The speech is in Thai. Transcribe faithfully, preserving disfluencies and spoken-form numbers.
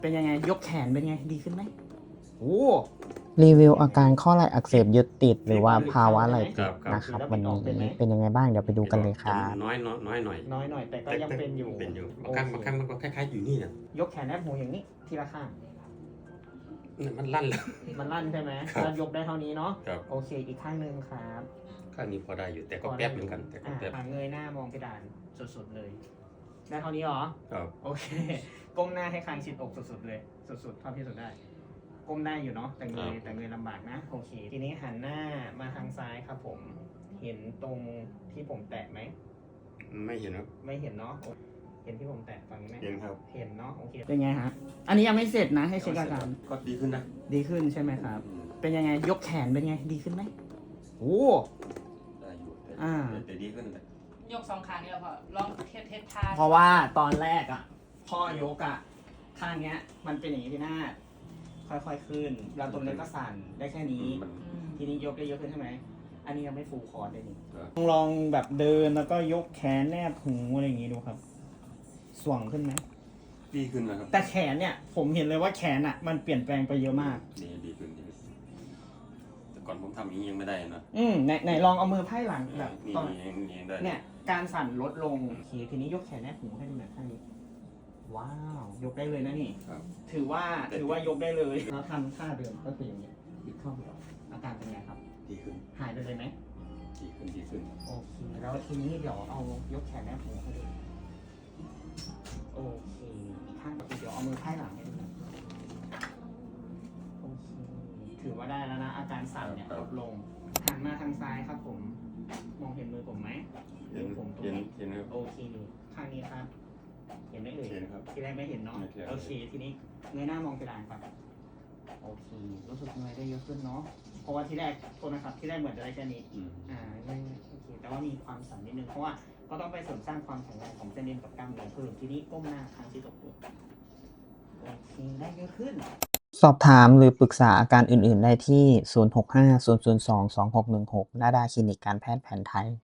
เป็นยังไงยกแขนเป็นไงดีขึ้นไหมโอ้รีวิวอาการข้อไหล่อักเสบยึดติดหรือว่าภาวะไหล่ติดครับนะครับแล้ววันออกเป็นไหมนี้เป็นยังไงบ้างเดี๋ยวไปดูกันเลยครับน้อยน้อยน้อยหน่อยน้อยหน่อยแต่ก็ยังเป็นอยู่เป็นอยู่โบางครั้งบางครั้งมันก็คล้ายๆอยู่นี่นะยกแขนแนบหูอย่างนี้ทีละข้างเนี่ยมันลั่นแล้วมันลั่นใช่ไหมครับแล้วยกได้เท่านี้เนาะครับโอเคอีกข้างหนึ่งครับข้างนี้พอได้อยู่แต่ก็แป๊บเหมือนกันแต่ก็อ่าแป๊บเงยหน้ามองเพดานสุดๆเลยได้เท่านี้เหรอครับโอเค ก้มหน้าให้คางชิดอกสุดๆเลย สุดๆเท่าที่สุดได้ ก้มได้อยู่เนาะ แต่เงยแต่เงยลำบากนะ โอเค ทีนี้หันหน้ามาทางซ้ายครับผม เห็นตรงที่ผมแตะไหมไม่เห็นครับไม่เห็นเนาะ เห็นที่ผมแตะฝั่งนี้ไหมเห็นครับเห็นเนาะ โอเค เป็นไงฮะ อันนี้ยังไม่เสร็จนะ ให้เช็คอาการก็ดีขึ้นนะดีขึ้นใช่ไหมครับ เป็นยังไง ยกแขนเป็นไง ดีขึ้นไหมโอ้ได้อยู่แต่อ่าแต่ดีขึ้นแหละยกสองขานี่แหละพอลองเทสเทสท่าเพราะว่าตอนแรกอ่ะพ่อยกอ่ะข้างเนี้ย มันเป็นอย่างนี้พี่นาฏค่อยๆขึ้นเราตรงนี้ก็สั่นได้แค่นี้มันอืมทีนี้ยกได้เยอะขึ้นใช่ไหม อันนี้ยังไม่ฟูลคอร์ดเลยนี่เออลองแบบเดินแล้วก็ยกแขนแนบหูอะไรอย่างงี้ดูครับ ส่วงขึ้นไหมดีขึ้นนะครับแต่แขนเนี่ยผมเห็นเลยว่าแขนอ่ะ มันเปลี่ยนแปลงไปเยอะมากดีดีขึ้นดีขึ้นแต่ก่อนผมทำอย่างนี้ยังไม่ได้นะอืมไหนไหนลองเอามือไพ่หลังแบบนี่ตอนนี่นี่ได้เนี่ย การสั่นลดลงโอเคทีนี้ยกแขนแนบหูให้ดูหน่อยข้างนี้ ว้าว ยกได้เลยนะนี่ครับถือว่าถือว่ายกได้เลยแล้วทำท่าเดิมก็คืออย่างนี้บิดเข้าบิดออกอาการเป็นไงครับดีขึ้นหายไปเลยไหมดีขึ้นดีขึ้นโอเคแล้วทีนี้เดี๋ยวเอายกแขนแนบหูให้ดูโอเคอีกข้างก็คือเดี๋ยวเอามือไพ่หลังให้ดูนะโอเคถือว่าได้แล้วนะ อาการสั่นเนี่ยลดลงหันมาทางซ้ายครับผม มองเห็นมือผมไหมเห็นผมตรงเห็นนี้เห็นครับโอเคข้างนี้ครับ เห็นไหมเอ่ยเห็นครับทีแรกไม่เห็นเนาะไม่เห็นโอเค ทีนี้เงยหน้ามองเพดานครับโอเค รู้สึกเงยได้เยอะขึ้นเนาะ เพราะว่าที่แรกโทษนะครับ ที่แรกเหมือนจะได้แค่นี้อืมอ่าไม่โอเค แต่ว่ามีความสั่นนิดนึง เพราะว่าก็ต้องไปเสริมสร้างความแข็งแรงของเส้นเอ็นกับกล้ามเนื้อเพิ่มทีนี้ก้มหน้าค้างที่ตกตัวโอเค ได้เยอะขึ้นสอบถามหรือปรึกษาอาการอื่น ๆ ได้ที่ ศูนย์ หก ห้า ศูนย์ ศูนย์ สอง สอง หก หนึ่ง หก นาดาคลินิกการแพทย์แผนไทย